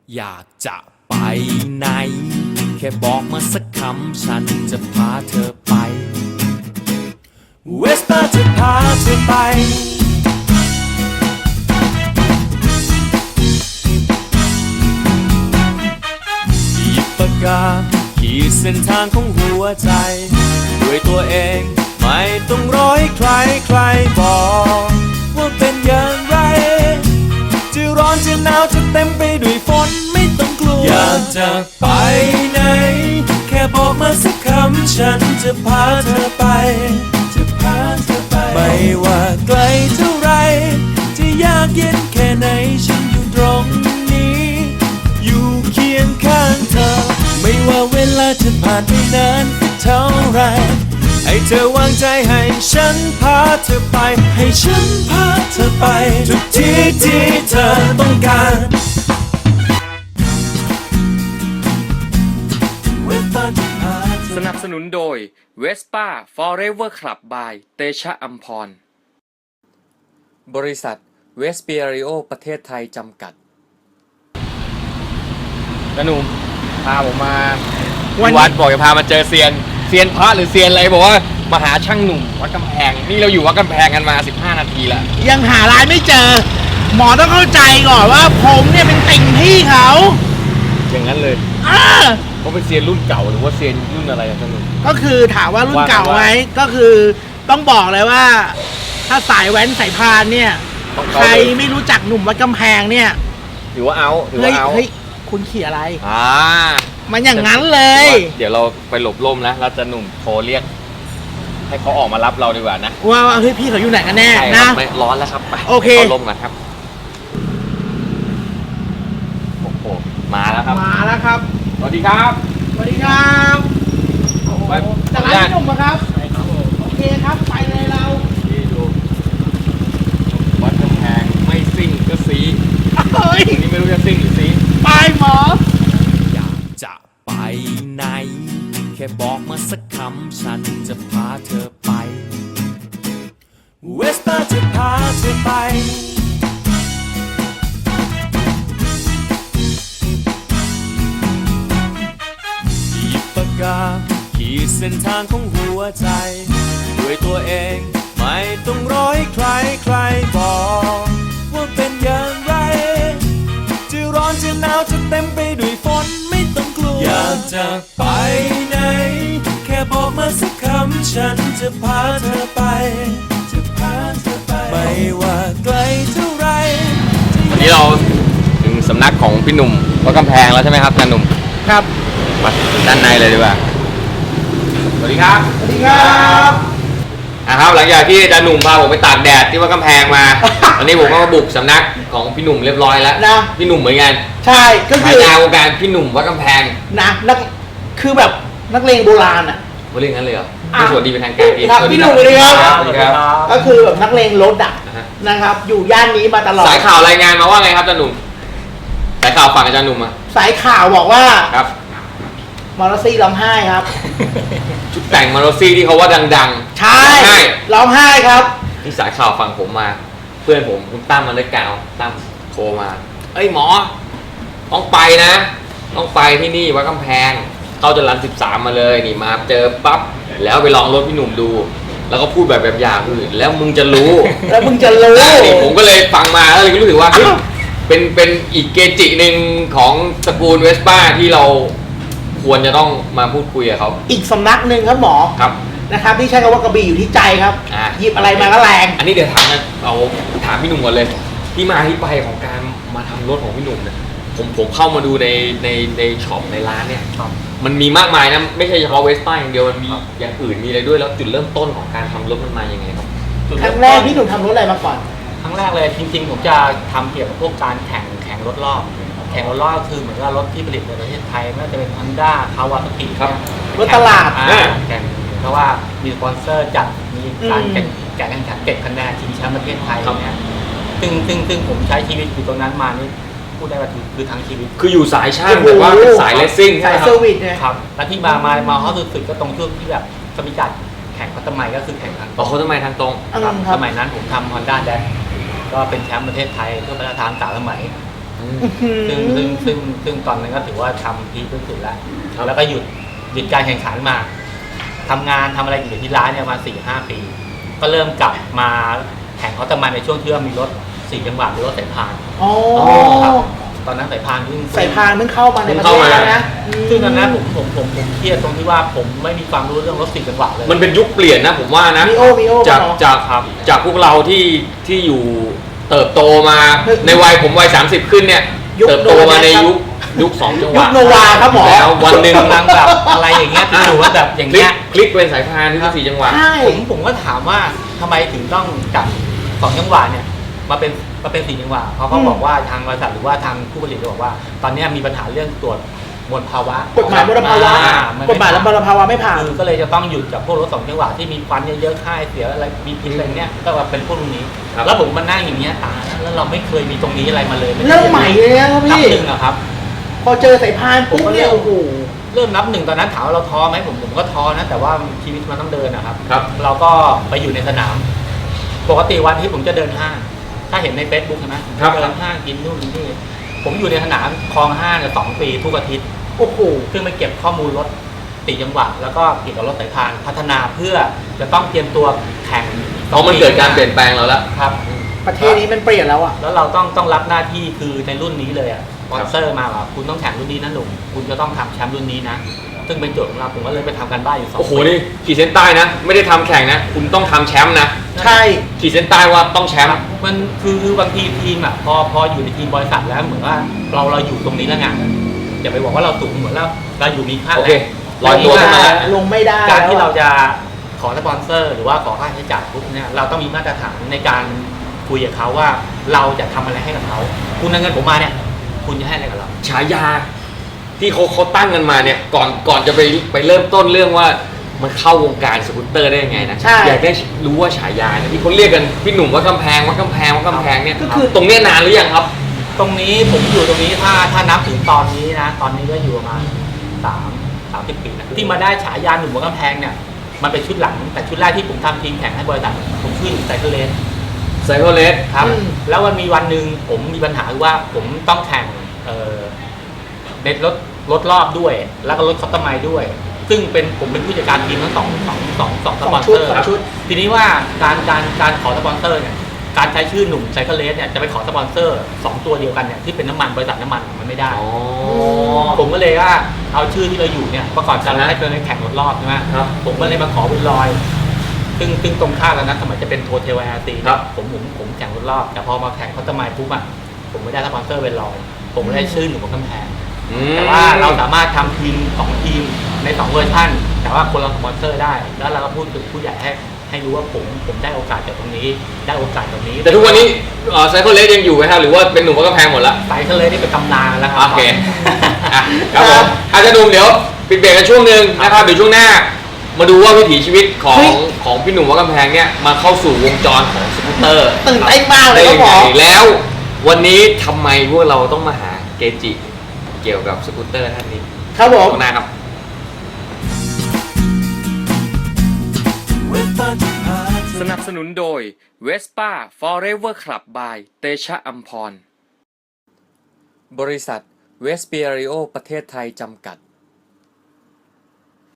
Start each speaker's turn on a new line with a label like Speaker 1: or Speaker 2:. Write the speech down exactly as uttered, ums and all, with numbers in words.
Speaker 1: อยากจะไปไหนแค่บอกมาสักคำฉันจะพาเธอไปเวสป้าจะพาเธอไปหยิบปากกาขีดเส้นทางของหัวใจด้วยตัวเองไม่ต้องรอให้ใครใครบอกว่าเป็นอย่างไรจะร้อนจะหนาวจะเต็มไปด้วยฝนไม่ต้องกลัวอยากจะไปไหนแค่บอกมาสักคำฉันจะพาเธอไปจะพาเธอไปไม่ว่าไกลเท่าไรจะยากเย็นแค่ไหนฉันอยู่ตรงนี้อยู่เคียงข้างเธอไม่ว่าเวลาจะผ่านไปนานสักเท่าไรให้เธอวางใจให้ฉันพาเธอไปให้ฉันพาเธอไปทุกที่ที่เธอต้องการสนับสนุนโดย Vespa Forever Club by เตชะอัมพรบริษัทเวสเปียริโอประเทศไทยจำกัดกระหนุ่มพาผมมาวัดบอกจะพามาเจอเซียนเซียนพระหรือเซียนอะไรบอกว่ามาหาช่างหนุ่มวัดกำแพงนี่เราอยู่วัดกำแพงกันมาสิบห้านาทีแล้ว
Speaker 2: ยังหาร้านไม่เจอหมอต้องเข้าใจก่อนว่าผมเนี่ยเป็นติ่งพี่เขา
Speaker 1: อย่างนั้นเลย
Speaker 2: อ่า
Speaker 1: เขาเป็นเซียนรุ่นเก่าหรือว่าเซียนรุ่นอะไรช่างหนุ่ม
Speaker 2: ก็คือถามว่ารุ่นเก่าไหมก็คือต้องบอกเลยว่าถ้าสายแว้นสายพานเนี่ยใครไม่รู้จักหนุ่มวัดกำแพงเนี่ย
Speaker 1: ถือว่าเอาถือว่าเอา
Speaker 2: เฮ้ยคุณขี่อะไร
Speaker 1: อ่า
Speaker 2: มันอย่างนั้นเลย
Speaker 1: เดี๋ยวเราไปหลบร่มนะเราจะหนุ่มโทรเรียกให้เขาออกมารับเราดีกว่านะ
Speaker 2: ว่าเฮ้ยพี่เขาอยู่ไหนกันแน่นะ
Speaker 1: ไม่ร้อนแล้วครับไป
Speaker 2: โอเค
Speaker 1: เขาร่มกันครับโอ้โหมาแล้วครับ
Speaker 2: มาแล้วครับ
Speaker 1: สวัสดีครับ
Speaker 2: สวัสดีครับไปจากร้านหนุ่มครับโอเคครับไปเลยเรา
Speaker 1: ที่ดูวัดกำแพงไม่ซิ่งก็ซี
Speaker 2: เฮ้ย
Speaker 1: นี่ไม่รู้จะซิ่งหรือซี
Speaker 2: ไปหมอ
Speaker 1: อยากจะไปไหนแค่บอกมาสักคำฉันจะพาเธอไปเวสป้าจะพาเธอไปหยิบปากกาขีดเส้นทางของหัวใจด้วยตัวเองไม่ต้องรอให้ใครใครบอกว่าเป็นอย่างไรจะร้อนจะหนาวจะเต็มไปด้วยฝนไม่ต้องกลัวอยากจะไปไหนแค่บอกมาสักคำฉันจะพาเธอไปจะพาเธอไปไม่ว่าไกลเท่าไรวันนี้เราถึงสำนักของพี่หนุ่มวัดกำแพงแล้วใช่ไหมครับอาจารย์หนุ่ม
Speaker 2: ครับ
Speaker 1: มาด้านในเลยดีกว่าสวัสดีครับ
Speaker 2: สวัสดีครับ
Speaker 1: นะครับหลังจากที่อาจารย์หนุ่มพาผมไปตากแดดที่วัดกำแพงมาตอนนี้ผมก็มาบุกสำนักของพี่หนุ่มเรียบร้อยแล้วนะพี่หนุ่มเหมือนกัน
Speaker 2: ใช่ก็คือ
Speaker 1: งานวงการพี่หนุ่มวัดกำแพง
Speaker 2: นะนักคือแบบนักเลงโบราณอ่ะ
Speaker 1: เขาเรียกงั้นเลยเหรอสวัสดีเป็นทางการดี
Speaker 2: พี่หนุ่มเลยครับ
Speaker 1: สวัสดีครับ
Speaker 2: ก็คือแบบนักเลงรถอ่ะนะครับอยู่ย่านนี้มาตลอด
Speaker 1: สายข่าวรายงานมาว่าไงครับอาจารย์หนุ่มสายข่าวฝั่งอาจารย์หนุ่มอ่ะ
Speaker 2: สายข่าวบอกว่า
Speaker 1: ครับ
Speaker 2: มอร์ซี่ร้องไห้ครับ
Speaker 1: ชุดแต่งมอร์ซี่ที่เขาว่าดังๆ
Speaker 2: ใช่ร้องไห้ครับ
Speaker 1: ที่สายข่าวฝั่งผมมาเพื่อนผมคุณตั้มมันได้กล่าวตั้มโทรมาเอ้ยหมอต้องไปนะต้องไปที่นี่วัดกำแพงเข้าจรัญสิบสามมาเลยนี่มาเจอปั๊บแล้วไปลองรถพี่หนุ่มดูแล้วก็พูดแบบแบบอย่างอื่นแล้วมึงจะรู้
Speaker 2: แล้วมึงจะรู้
Speaker 1: นี่ผมก็เลยฟังมาแล้วเลยรู้สึกว่าเป็นเป็นอีกเกจิหนึ่งของตระกูลเวสป้าที่เราควรจะต้องมาพูดคุยกับเขา
Speaker 2: อีกสำนักหนึ่งครับหมอ
Speaker 1: ครับ
Speaker 2: นะครับที่ใช้คำว่ากระบี่อยู่ที่ใจครับหยิบอะไรมาก็แรง
Speaker 1: อันนี้เดี๋ยวถามนะเอาถามพี่หนุ่มก่อนเลยที่มาที่ไปของการมาทำรถของพี่หนุ่มเนี่ยผมผมเข้ามาดูในในในช็อปในร้านเนี่ยมันมีมากมายนะไม่ใช่เฉพาะเวสป้าอย่างเดียวมันมีอย่างอื่นมีอะไรด้วยแล้วจุดเริ่มต้นของการทำรถมันมาอย่างไงครับ
Speaker 2: ครั้งแรกพี่หนุ่มทำรถอะไรมาก่อน
Speaker 3: ครั้งแรกเลยจริงๆผมจะทำเกี่ยวกับพวกการแข่งแข่งรถรอบแข่งรถรอบคือเหมือนว่ารถที่ผลิตในประเทศไทยไม่ว่าจะเป็น Honda คาวาซากิ
Speaker 1: ครับ
Speaker 2: รถตลาด
Speaker 3: แข่งเพราะว่ามีสปอนเซอร์จัดมีการแข่งแข่งขันเก็บคะแนนชิงแชมป์ประเทศไทยเนี่ยซึ่งซึ่งซึ่งผมใช้ชีวิตอยู่ตรงนั้นมานี่พูดได้ว่าคือทั้งชีวิต
Speaker 1: คืออยู่สายช่างแต่ว่าเป็นสายเลสซิ่ง
Speaker 2: สายเซอร์วิสเนี่ย
Speaker 3: ครับและที่มามามาฮอตสุดๆก็ตรงช่วงที่แบบสมิจัดแข่งพัตไมก็คือแข่งทาง
Speaker 1: ตรงพัตไมทางตรง
Speaker 3: สมัยนั้นผมทำ Honda แดกก็เป็นแชมป์ประเทศไทยเพื่อประธานสามสมัยซึ่งซึ่งซึ่งซึ่งตอนนั้นก็ถือว่าทำพีคที่สุดแล้วแล้วก็หยุดหยุดการแข่งขันมาทำงานทำอะไรอยู่ที่ร้านเนี่ยมาสี่ห้าปี ก็เริ่มกลับมาแข่งเขาตะมันในช่วงที่ว่ามีรถสี่จังหวะหรือรถสายพาน
Speaker 2: อ๋อ
Speaker 3: ครับตอนนั้นสายพานเพิ่ง
Speaker 2: สายพานเพิ่งเข้ามาในประเทศนะ
Speaker 3: ซึ่งตอนนั้นผมผมผมผมเครียดตรงที่ว่าผมไม่มีความรู้เรื่องรถสี่จังหวะเลย
Speaker 4: มันเป็นยุคเปลี่ยนนะผมว่านะ
Speaker 2: มีโอมีโอ
Speaker 4: จากจากจากพวกเราที่ที่อยู่เติบโตมาในวัยผมวัยสามสิบขึ้นเนี่ยเติบโตมาในยุคยุคสองจังห
Speaker 2: ยุ
Speaker 4: วะ
Speaker 2: คโนวาครับหมอ
Speaker 4: แล้ววันหนึ่ง
Speaker 3: กำลังแบบอะไรอย่างเงี้ยที่อยู่ว่าแบบอย่าง
Speaker 4: คลิ
Speaker 3: เงี้
Speaker 4: ก
Speaker 3: ย
Speaker 4: คลิกเป็นสายพานที่สี่จังหวะ
Speaker 2: ใช่
Speaker 3: ผมผมก็ถามว่าทำไมถึงต้องจับสองจังหวะเนี่ยมาเป็นมาเป็นสี่จังหวะเขาก็บอกว่าทางบริษัทหรือว่าทางผู้ผลิตก็บอกว่า ตอนนี้มีปัญหาเรื่องตรวจมลภาวะ
Speaker 2: กฎหมายมลภาวะ
Speaker 3: อ่น
Speaker 2: กฎหมายมลภาวะไม่ผ่าน
Speaker 3: คือก็เลยจะต้องหยุดกับพวกรถสองจังหวะที่มีควันเยอะๆค่ายเสียอะไรมีพิษอะไรเนี่ยก็ว่าเป็นพวกนี้
Speaker 4: ครับ
Speaker 3: แล้วผมมานั่งอย่างเงี้ยตาแล้วเราไม่เคยมีตรงนี้อะไรมาเลย
Speaker 2: เริ่มใหม่เลยนะครับ
Speaker 3: นับ
Speaker 2: พี่
Speaker 3: หนึ่งอะครับ
Speaker 2: พอเจอสายพานปุ๊บเนี่ยโอ้โห
Speaker 3: เริ่มนับหนึ่งตอนนั้นถามว่าเราท้อไหมผมผมก็ท้อนะแต่ว่าชีวิตมันต้องเดินนะครับ
Speaker 4: ครับ
Speaker 3: เราก็ไปอยู่ในสนาม ปกติวันที่ผมจะเดินห้าง ถ้าเห็นในเฟซบุ๊กใช่ไหม
Speaker 4: ครับ
Speaker 3: เดินห้างกินนู่นกินนี่ผมอยู่ในสนามคลองห้างเนี่ยสองปีทุกอาทิตย์
Speaker 2: โอ้โห
Speaker 3: ซึ่งไปเก็บข้อมูลรถติดจังหวะแล้วก็เกี่ยวกับรถสายพานพัฒนาเพื่อจะต้องเตรียมตัวแข่ง
Speaker 4: เพราะมันเกิดการเปลี่ยนแปลงเราแล้ว
Speaker 3: ครับ
Speaker 2: ประเทศนี้มันเปลี่ยนแล้วอ่ะ
Speaker 3: แล้วเราต้องต้องรับหน้าที่คือในรุ่นนี้เลยอ่ะสปอนเซอร์มาว่าคุณต้องแข่งรุ่นนี้นะหนุ่มคุณจะต้องทำแชมป์รุ่นนี้นะซึ่งเป็นโจทย์ของเราผมก็เลยไปทำกันบ้านอยู่สอง
Speaker 4: โอ้โหนี่ขีดเส้นใต้นะ ไม่ได้ทำแข่งนะ คุณต้องทำแชมป์นะ
Speaker 2: ใช่
Speaker 4: ขีดเส้นใต้ว่าต้องแชมป์
Speaker 3: มันคือคือบางทีทีมอ่ะพอพออยู่ในทีมบริษัทแล้วเหมือนว่าเราเราอยู่ตรงนี้แล้วไงอย่าไปบอกว่าเราสูงเหมือนเราเราอยู่มีค่า
Speaker 4: โอเคลอยตัวขึ้นมาแล้ว
Speaker 2: ลงไม่ได้
Speaker 3: การที่
Speaker 2: แล้ว
Speaker 3: เราจะขอสปอนเซอร์ หรือว่าขอค่าใช้จ่ายปุ๊บเนี่ยเราต้องมีมาตรฐานในการคุยกับเขาว่าเราจะทำอะไรให้กับเขาคุณเอาเงินผมมาเนี่ยคุณจะให้อะไรกับเรา
Speaker 4: ฉายาที่เขาเขาตั้งกันมาเนี่ยก่อนก่อนจะไปไปเริ่มต้นเรื่องว่ามันเข้าวงการสกูตเตอร์ได้ยังไงนะ
Speaker 2: ใช่
Speaker 4: อยากได้รู้ว่าฉายาเนี่ยที่เขาเรียกกันพี่หนุ่มว่ากำแพงว่ากำแพงว่ากำแพงเนี่ย
Speaker 2: ก็คือ
Speaker 4: ตรงเนี้ยนานหรือยังครับ
Speaker 3: ตรงนี้ผมอยู่ตรงนี้ถ้าถ้านับถึงตอนนี้นะ ตอนนี้ก็อยู่ประมาณสามสามสิบปีนะที่มาได้ฉายาหนุ่มหัวกำแพงเนี่ยมันเป็นชุดหลังแต่ชุดแรกที่ผมทำทีมแข่งให้บริษัทผมชื่อไซเคิลเลน
Speaker 4: ไซโคเลส
Speaker 3: ครับ
Speaker 2: อืม
Speaker 3: แล้วมันมีวันหนึ่งผมมีปัญหาว่าผมต้องแข่งเอ่อในรถรถรอบด้วย แล้วก็รถคัสตอมไมซ์ด้วย ซึ่งเป็นผมเป็นผู้จัดการทีมทั้งสองสองสองสองส
Speaker 2: สอง
Speaker 3: ปอน
Speaker 2: ชุ
Speaker 3: เซ
Speaker 2: ด
Speaker 3: อร์
Speaker 2: สองชุด
Speaker 3: ทีนี้ว่าการการการขอสปอนเซอร์เนี่ยการใช้ชื่อหนุ่มไซเคิลเลสเนี่ยจะไปขอสปอนเซอร์สองตัวเดียวกันเนี่ยที่เป็นน้ำมันบริษัทน้ำมันมันไม่ได้
Speaker 4: อ๋อ
Speaker 3: ผมก็เลยว่าเอาชื่อที่เราอยู่เนี่ยประกอบการ
Speaker 4: นะ
Speaker 3: ให้เป็นแข่งรถรอบใช่ไหม
Speaker 4: ครับ
Speaker 3: ผมก็เลยมาขอบุญลอย ซึ่งซึ่งตรงข้ามกันนะสมัยจะเป็นโทเทลแอร์ตี
Speaker 4: ครับ
Speaker 3: ผมผมผมแข่งรถรอบ แต่พอมาแข่งเขาตะไมปุ๊บอ่ะผมไม่ได้สปอนเซอร์เป็นลอย ผมไม่ได้ชื่อหนุ่มบนกำแพง
Speaker 4: อืม
Speaker 3: แต่ว่าเราสามารถทำทีมสองทีมในสองเวอร์ชันแต่ว่าคนละสปอนเซอร์ได้ แล้วเราก็พูดถึงผู้ใหญ่ให้ให้รู้ว่าผมผมได้โอกาสจากตรงนี้ ได้โอกาสตรงนี้
Speaker 4: แต่ทุกวันนี้ไซโคเลสยังอยู่ไหมครับหรือว่าเป็นหนุ่มว่ากำแพงหมดละ
Speaker 3: ไซเคิลเลสนี่เป็นตำนานแล้วครั
Speaker 4: โอเคอ่ะครับผมอาจจะหนุ่มเดี๋ยวปิดเบรกกันช่วงหนึ่งนะครับเดี๋ยวช่วงหน้า มาดูว่าวิถีชีวิตของ
Speaker 2: เฮ้ย
Speaker 4: ของพี่หนุ่มว่ากำแพงเนี่ยมาเข้าสู่วงจรของสกูตเตอร์
Speaker 2: ตื่นเต้นมากเลย
Speaker 4: ได้
Speaker 2: ครับ
Speaker 4: ยัง
Speaker 2: หม
Speaker 4: ไง
Speaker 2: อ
Speaker 4: แล้ว วันนี้ทำไมพวกเราต้องมาหาเกจิเกี่ยวกับสกูตเตอร์ท่านนี้
Speaker 2: ครับผม
Speaker 4: ช่วงหน้าครับ
Speaker 1: สนับสนุนโดย Vespa Forever Club by เตชะอัมพร บริษัทเวสเปียริโอประเทศไทยจำกัด